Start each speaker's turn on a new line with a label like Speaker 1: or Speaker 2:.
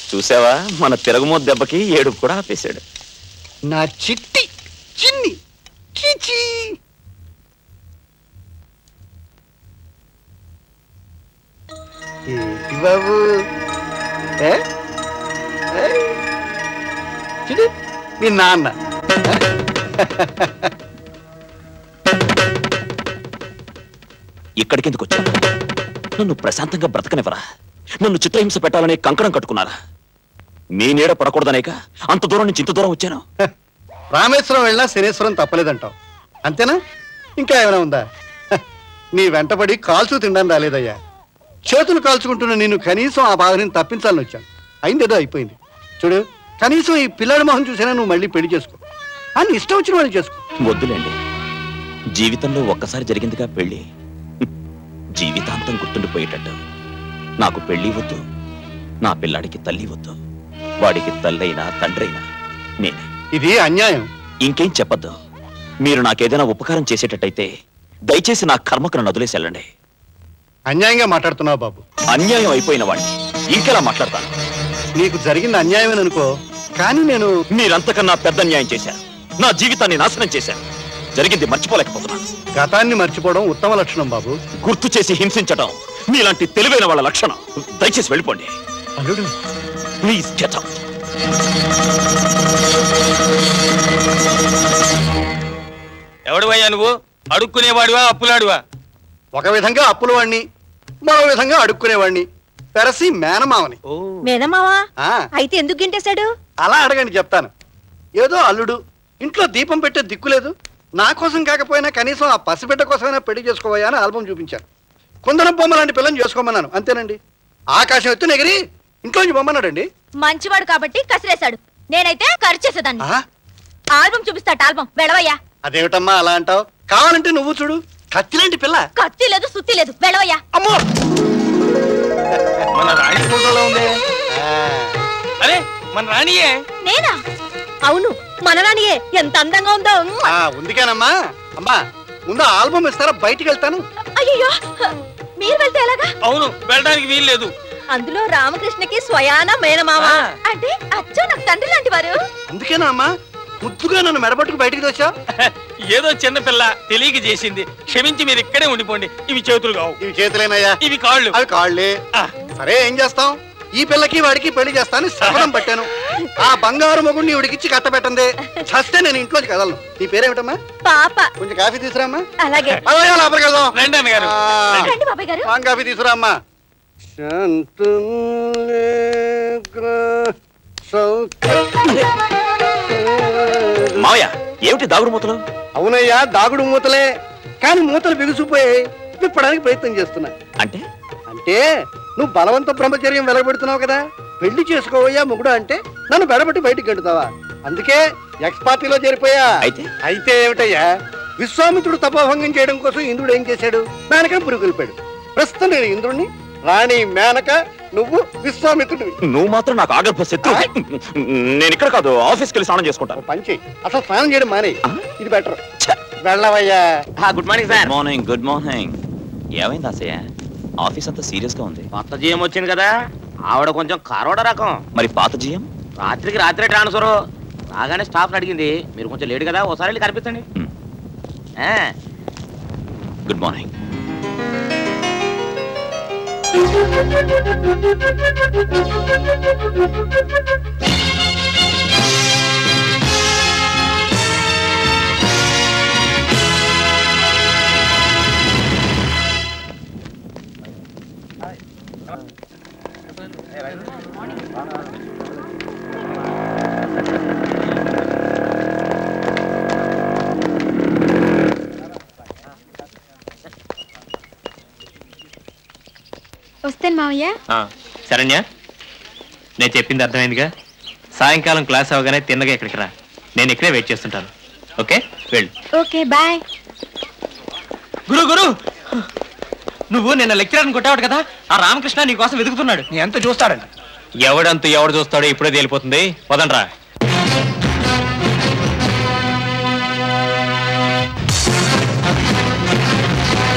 Speaker 1: చూసావా, మన తిరగమోత్ దెబ్బకి ఏడుపు కూడా ఆపేశాడు.
Speaker 2: నా చిట్టి చిన్ని చీచీ. ఏంటి బాబు ఏ? ఏ? చూడు మీ నాన్న.
Speaker 1: ఇక్కడికి ఎందుకు వచ్చాను? నన్ను ప్రశాంతంగా బ్రతకనివ్వరా? నన్ను చిత్రహింస పెట్టాలనే కంకణం కట్టుకున్నారా? మీ నీడ పడకూడదనేక అంత దూరం నుంచి ఇంత దూరం వచ్చాను.
Speaker 2: రామేశ్వరం వెళ్ళినా శనేశ్వరం తప్పలేదంటావు అంతేనా? ఇంకా ఏమైనా ఉందా? నీ వెంటబడి కాల్చు తినడానికి రాలేదయ్యా. చేతులు కాల్చుకుంటున్న నేను కనీసం ఆ బాధని తప్పించాలని వచ్చాను. అయిందేదో అయిపోయింది. చూడు, కనీసం ఈ పిల్లాడి మొహం చూసినా నువ్వు మళ్ళీ పెళ్లి చేసుకో. అని ఇష్టం వచ్చిన వాళ్ళు చేసుకో.
Speaker 1: వద్దులేండి, జీవితంలో ఒక్కసారి జరిగిందిగా పెళ్లి, జీవితాంతం గుర్తుండిపోయేటట్టు. నాకు పెళ్లి వద్దు, నా పిల్లాడికి తల్లి వద్దు. వాడికి తల్లైనా తండ్రైనా నేనే.
Speaker 2: ఇది అన్యాయం.
Speaker 1: ఇంకేం చెప్పద్దు. మీరు నాకేదైనా ఉపకారం చేసేటట్టయితే దయచేసి నా కర్మకు నన్ను వదిలేసి వెళ్ళండి.
Speaker 2: అన్యాయంగా మాట్లాడుతున్నావు బాబు.
Speaker 1: అన్యాయం అయిపోయిన వాడిని ఇంకెలా మాట్లాడతాను?
Speaker 2: నీకు జరిగింది అన్యాయమేననుకో, కానీ నేను
Speaker 1: మీరంతకన్నా పెద్ద అన్యాయం చేశారు. నా జీవితాన్ని నాశనం చేశారు. జరిగింది మర్చిపోలేకపోతున్నాను.
Speaker 2: గతాన్ని మర్చిపోవడం ఉత్తమ లక్షణం బాబు.
Speaker 1: గుర్తు చేసి హింసించడం మీలాంటి తెలివైన వాళ్ళ లక్షణం. దయచేసి వెళ్ళిపోండి.
Speaker 2: అల్లుడు
Speaker 1: ప్లీజ్ గెట్ అవుట్.
Speaker 3: ఎవడువయ్యా నువ్వు? అడుక్కునేవాడివా అప్పులాడివా?
Speaker 2: ఒక విధంగా అప్పుల వాణ్ణి, మరో విధంగా అడుక్కునేవాణ్ణి. పెరసి మేనమావని.
Speaker 4: మేనమావా?
Speaker 2: ఆ,
Speaker 4: అయితే ఎందుకు గింటేశాడు?
Speaker 2: అలా అడగండి చెప్తాను. ఏదో అల్లుడు, ఇంట్లో దీపం పెట్టే దిక్కులేదు, నా కోసం కాకపోయినా కనీసం ఆ పసిబిడ్డ కోసమైనా పెళ్లి చేసుకోవయ్యా అని ఆల్బం చూపించాను. కుందనం బొమ్మ లాంటి పిల్లని చేసుకోమన్నాను, అంతేనండి. ఆకాశం ఎత్తు నెగిరి ఇంట్లోంచి బొమ్మన్నాడండి.
Speaker 4: మంచివాడు కాబట్టి కసిరేశాడు. నేనైతే ఖర్చు చేసేదాన్ని.
Speaker 2: ఆ,
Speaker 4: ఆల్బం చూపిస్తాట. ఆల్బం వెళ్ళవయ్యా.
Speaker 2: అదేమిటమ్మా అలా అంటావు? కావాలంటే నువ్వు చూడు, కత్తిలాంటి పిల్ల.
Speaker 4: కత్తి లేదు, సుత్తి లేదు, వెళ్ళవయ్యా.
Speaker 2: అమ్మో,
Speaker 3: మన రాణి ఫోటోలో ఉంది.
Speaker 2: ఆ,
Speaker 3: అరే మన రాణియే.
Speaker 4: నేనా? అవును, మనరానియే. ఎంత అందంగా ఉందో.
Speaker 2: ఆ, ఉందికేనమ్మా. అమ్మా, ముందు ఆల్బం ఇస్తారా? బయటికి వెళ్తాను.
Speaker 4: అయ్యో, మీరు వెళ్తే ఎలాగా?
Speaker 3: అవును, వెళ్ళడానికి వీలు లేదు.
Speaker 4: అందులో రామకృష్ణకి స్వయాన మేనమామ
Speaker 3: ఆ.
Speaker 4: అంటే అచ్చో నాకు తండ్రి లాంటి వారు.
Speaker 2: అందుకేనా అమ్మా ముద్దుగా నన్ను మెడబట్టుకు బయటికి తెచ్చా?
Speaker 3: ఏదో చిన్న పిల్ల తెలియక చేసింది, క్షమించి మీరు ఇక్కడే ఉండిపోండి. ఇవి చేతులు కావు,
Speaker 2: ఇవి చేతులేనయ్యా.
Speaker 3: ఇవి కాళ్ళు.
Speaker 2: అవి కాళ్ళే.
Speaker 3: ఆ.
Speaker 2: సరే, ఏం చేస్తాం? ఈ పిల్లకి వాడికి పెళ్లి చేస్తాను శపథం పట్టాను. ఆ బంగారు మొగుడిని ఇవిడికిచ్చి కట్టబెట్టందే చస్తే నేను ఇంట్లోకి కదలను. నీ పేరేమిటమ్మా?
Speaker 4: పాప.
Speaker 2: కొంచెం కాఫీ తీసురామ్మా.
Speaker 4: అలాగే.
Speaker 2: అలాగే, లోపలికి వెళ్దాం.
Speaker 3: రండి అన్నగారు.
Speaker 4: రండి బాబాయ్ గారు.
Speaker 2: పాన్ కాఫీ తీసురామ్మా.
Speaker 1: మావయ్య, ఏమిటి దాగుడు మూతలు?
Speaker 2: అవునయ్యా, దాగుడు మూతలే, కానీ మూతలు బిగుసిపోయాయి. విప్పడానికి ప్రయత్నం చేస్తున్నా.
Speaker 1: అంటే
Speaker 2: అంటే నువ్వు బలవంత బ్రహ్మచర్యం వెలగబెడుతున్నావు కదా. పెళ్లి చేసుకోవయ్యా మొగుడు అంటే నన్ను బెడబట్టి బయటికి గంటుతావా? అందుకే ఎక్స్ పార్టీలో చేరిపోయా. అయితే ఏమిటయ్యా, విశ్వామిత్రుడు తపోభంగం చేయడం కోసం ఇంద్రుడు ఏం చేశాడు? మేనక పురుగులిపాడు. ప్రస్తుతం నేను ఇంద్రుడిని, రాణి మేనక, నువ్వు విశ్వామిత్రుడివి.
Speaker 1: నువ్వు మాత్రం నాకు ఆగర్భ శత్రు. నేను ఇక్కడ కాదు, ఆఫీస్కి వెళ్ళి స్నానం చేసుకుంటాను.
Speaker 2: పని చెయ్యి, అసలు స్నానం చేయడం మానే.
Speaker 1: ఆ?
Speaker 2: ఇది బెటర్. వెళ్ళవయ్యా.
Speaker 3: Good morning sir.
Speaker 1: Morning. Good morning. ఏమైంది ఆశయ? ఆఫీస్ అంతా సీరియస్ గా ఉంది.
Speaker 3: కొత్త జీఎం వచ్చింది కదా, ఆవిడ కొంచెం కరోడ రకం.
Speaker 1: మరి పాత జీఎం?
Speaker 3: రాత్రికి రాత్రే ట్రాన్స్ఫర్. రాగానే స్టాఫ్ అడిగింది, మీరు కొంచెం లేట్ కదా, ఒకసారి వెళ్ళి కనిపించండి.
Speaker 1: Good morning.
Speaker 4: వస్తాను మావయ్య.
Speaker 5: శరణ్య, నేను చెప్పింది అర్థమైందిగా. సాయంకాలం క్లాస్ అవగానే తిన్నగా ఇక్కడికి రా. నేను ఇక్కడే వెయిట్ చేస్తుంటాను. ఓకే, వెళ్ళు.
Speaker 4: Okay, bye.
Speaker 5: గురు గురు, నువ్వు నిన్న లెక్చరర్ని కొట్టావు కదా, ఆ రామకృష్ణ నీ కోసం వెతుకుతున్నాడు.
Speaker 2: నీ ఎంత చూస్తాడంట.
Speaker 5: ఎవడంతు ఎవడు చూస్తాడో ఇప్పుడే తేలిపోతుంది. వదండ్రా.